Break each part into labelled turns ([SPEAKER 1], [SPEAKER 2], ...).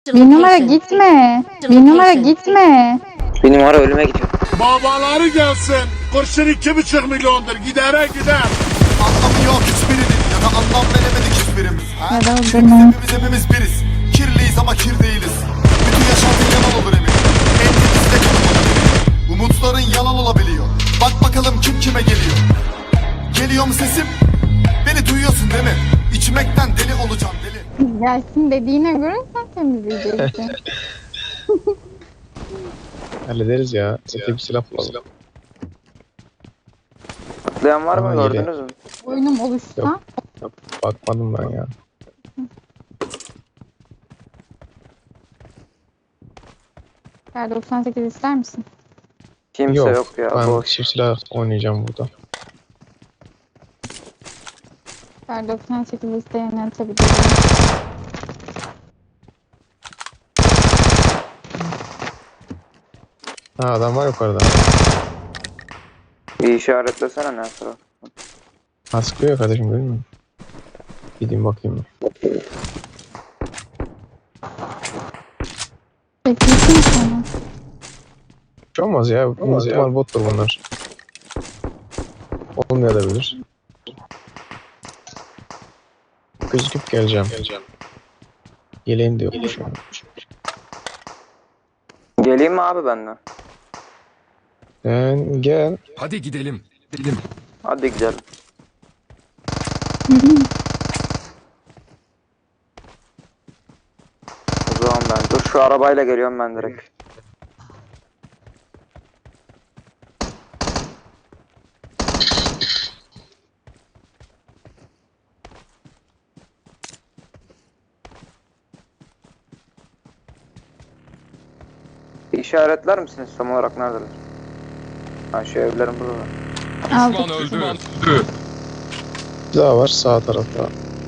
[SPEAKER 1] Bir numara gitme. Bir numara gitme.
[SPEAKER 2] Bir numara ölüme gidiyor.
[SPEAKER 3] Babaları gelsin. Kurşun 2,5 milyondur. Gidere gider.
[SPEAKER 4] Anlamı yok hiçbirinin ya da anlam veremedik hiçbirimiz.
[SPEAKER 1] Ya da
[SPEAKER 4] Çünkü
[SPEAKER 1] öldürme.
[SPEAKER 4] hepimiz biriz. Kirliyiz ama kir değiliz. Bütün yaşantı yalan olur emin. En temiz de kanım olabilir. Umutların yalan olabiliyor. Bak bakalım kim kime geliyor. Geliyor mu sesim? Beni duyuyorsun değil mi? İçmekten deli olacağım deli.
[SPEAKER 1] Gelsin dediğine göre sen temizleyeceksin.
[SPEAKER 5] Hallederiz ya. Zaten bir silah bulalım.
[SPEAKER 2] Atlayan var mı,
[SPEAKER 5] Aa, yedi.
[SPEAKER 2] gördünüz mü?
[SPEAKER 1] Oyunum oluşsa.
[SPEAKER 5] Yok, bakmadım ben ya.
[SPEAKER 1] Kar 98 ister misin?
[SPEAKER 2] Kimse yok ya.
[SPEAKER 5] Ben
[SPEAKER 2] Boş.
[SPEAKER 5] çift silah oynayacağım burada.
[SPEAKER 1] Kar 98 isteyene atabilirim.
[SPEAKER 5] Ha, adam var yukarıda.
[SPEAKER 2] Bir işaretlesene ne sıra.
[SPEAKER 5] Ha, sıkıyor ya kardeşim, değil mi? Gideyim bakayım.
[SPEAKER 1] Beklesin sana.
[SPEAKER 5] Hiç olmaz ya. Muhtemel bottur bunlar. Olmayabilir. Gözüküp geleceğim. Yeleğim de yokmuş ya.
[SPEAKER 2] Geleyim mi abi benden?
[SPEAKER 5] Sen gel.
[SPEAKER 3] Hadi gidelim. Gidelim.
[SPEAKER 2] Hadi gidelim. O zaman ben. Dur şu arabayla geliyorum ben direkt. İşaretler misiniz tam olarak neredeler? Ha şu evlerin burada.
[SPEAKER 1] Aldık.
[SPEAKER 3] öldü.
[SPEAKER 5] Bir daha var sağ tarafta.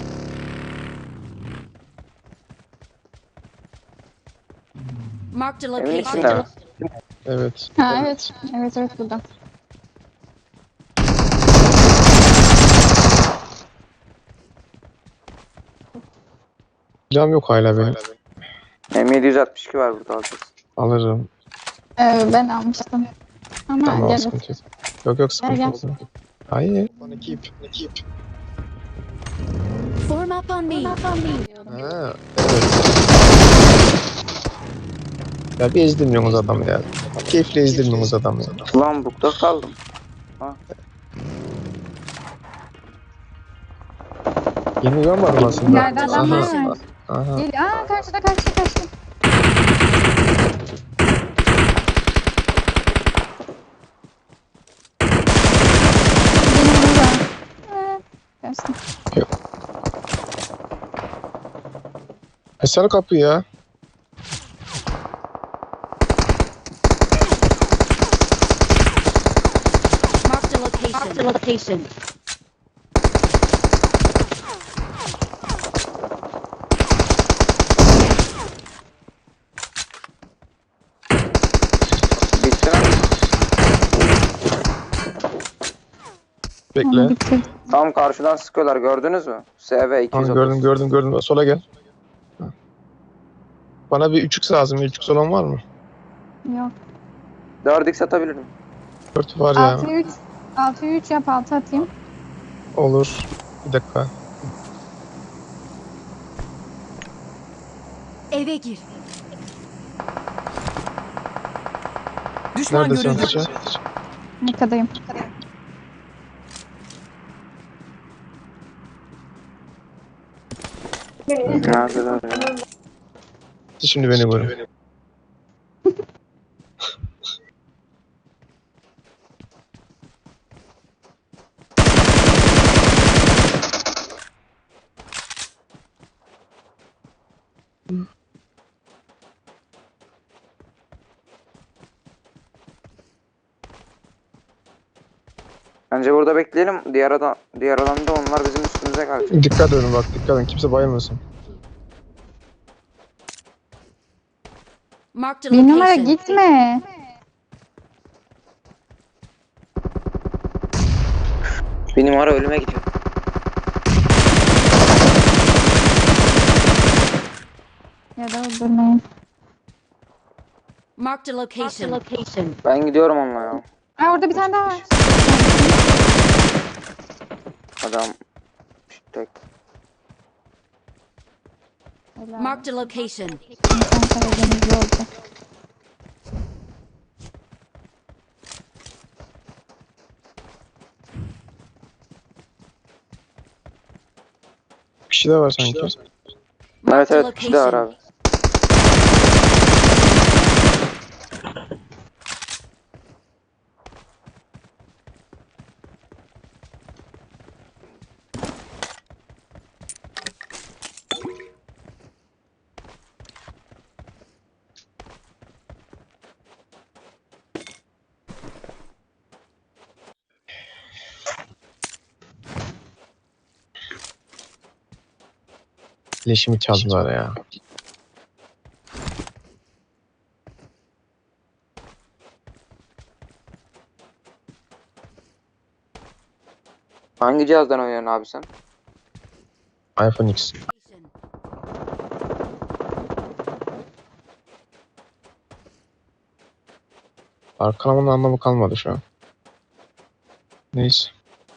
[SPEAKER 6] Marked a
[SPEAKER 2] Evin
[SPEAKER 6] location.
[SPEAKER 2] içinde mi?
[SPEAKER 5] Evet.
[SPEAKER 1] Ha evet. Evet evet burada.
[SPEAKER 5] Cam yok hala benim.
[SPEAKER 2] M762 var burada alacağız.
[SPEAKER 5] Alırım.
[SPEAKER 1] Ben almıştım. Ama
[SPEAKER 5] Tamam,
[SPEAKER 1] gel.
[SPEAKER 5] sıkıntı yok. Yok sıkıntı
[SPEAKER 1] Gel,
[SPEAKER 5] yok. Hayır. Ekip.
[SPEAKER 6] Form up on me.
[SPEAKER 5] Ha, evet. Ya bir ezdirmiyorsunuz adamı ya. Keyifle ezdirmiyorsunuz adamı ya.
[SPEAKER 2] Ulan bukta kaldım.
[SPEAKER 5] Yeni görmedim aslında.
[SPEAKER 1] Nerede adam
[SPEAKER 5] Aha,
[SPEAKER 1] var?
[SPEAKER 5] aha.
[SPEAKER 1] Gel. Aa karşıda. Benim burada. Gelsin.
[SPEAKER 5] Açsana kapıyı ya.
[SPEAKER 6] Marked a location. Marked a location.
[SPEAKER 2] Bitti mi?
[SPEAKER 5] Bekle.
[SPEAKER 1] Bitti.
[SPEAKER 2] Tam karşıdan sıkıyorlar gördünüz mü? SV
[SPEAKER 5] Tamam,
[SPEAKER 2] 230.
[SPEAKER 5] gördüm. Sola gel. Ha. Bana bir 3x lazım. 3x olan var mı?
[SPEAKER 1] Yok.
[SPEAKER 2] 4x atabilirim.
[SPEAKER 5] 4 var ya.
[SPEAKER 1] 6'ya 3. 6'ya 3 yap 6 atayım.
[SPEAKER 5] Olur. Bir dakika.
[SPEAKER 6] Eve gir.
[SPEAKER 5] Nerede çantıcı?
[SPEAKER 1] Arkadayım.
[SPEAKER 2] Neredeler ya?
[SPEAKER 5] Şimdi beni görün.
[SPEAKER 2] Bence burada bekleyelim. Diğer alanda onlar bizim üstümüze gelecek.
[SPEAKER 5] Dikkat edin bak, dikkat edin. Kimse bayılmasın.
[SPEAKER 6] Marked a
[SPEAKER 1] Bir numara
[SPEAKER 6] location.
[SPEAKER 1] gitme.
[SPEAKER 2] Bir numara ölüme gidiyor.
[SPEAKER 1] Ya da öldürme. Hazırlayın.
[SPEAKER 6] Marked a location.
[SPEAKER 2] Ben gidiyorum onunla ya.
[SPEAKER 1] Ha orada bir tane daha var.
[SPEAKER 2] Adam tek.
[SPEAKER 1] Helal.
[SPEAKER 6] Marked a location.
[SPEAKER 1] İnsan Karadenizli olacak.
[SPEAKER 5] Bir kişi de var sanki.
[SPEAKER 2] Evet
[SPEAKER 6] Marked a
[SPEAKER 2] evet bir de var
[SPEAKER 6] location.
[SPEAKER 2] abi.
[SPEAKER 5] Leşimi çaldılar ya.
[SPEAKER 2] Hangi cihazdan oynuyorsun abi sen?
[SPEAKER 5] iPhone X. Arkalamanın anlamı kalmadı şu an. Neyse.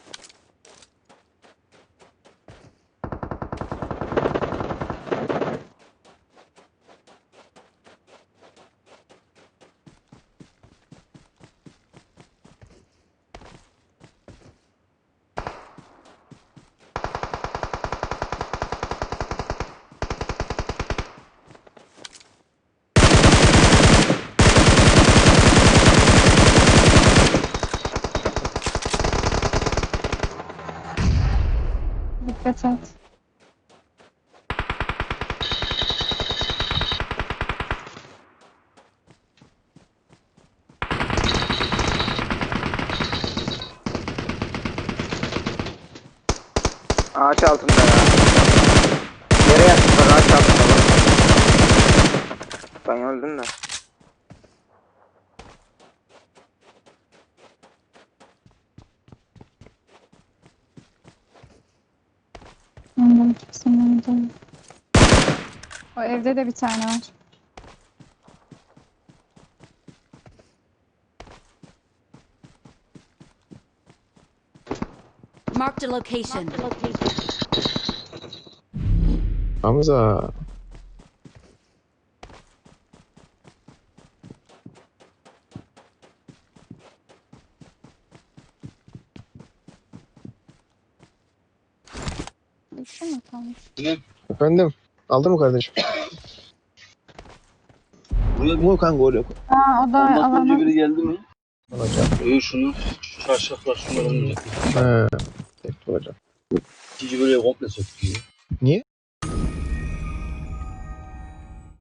[SPEAKER 1] Dikkat et.
[SPEAKER 2] Ağaç altında ya. Yere yattılar ağaç altında. Ben öldüm de.
[SPEAKER 1] Onların ikisinin önünde. O evde de bir tane var.
[SPEAKER 6] Marked a location.
[SPEAKER 5] Hamza.
[SPEAKER 1] İki mi kalmış?
[SPEAKER 5] Efendim. Aldın mı kardeşim?
[SPEAKER 7] Buraya bu kanka oraya koy.
[SPEAKER 1] Aa o da
[SPEAKER 7] Ondan önce
[SPEAKER 1] alana.
[SPEAKER 7] biri geldi mi?
[SPEAKER 5] Alacağım.
[SPEAKER 7] Şunu, şu çarşaflar şunları alınacak.
[SPEAKER 5] He. Tek olacak.
[SPEAKER 7] İkinci bölüye komple söktü.
[SPEAKER 5] Niye?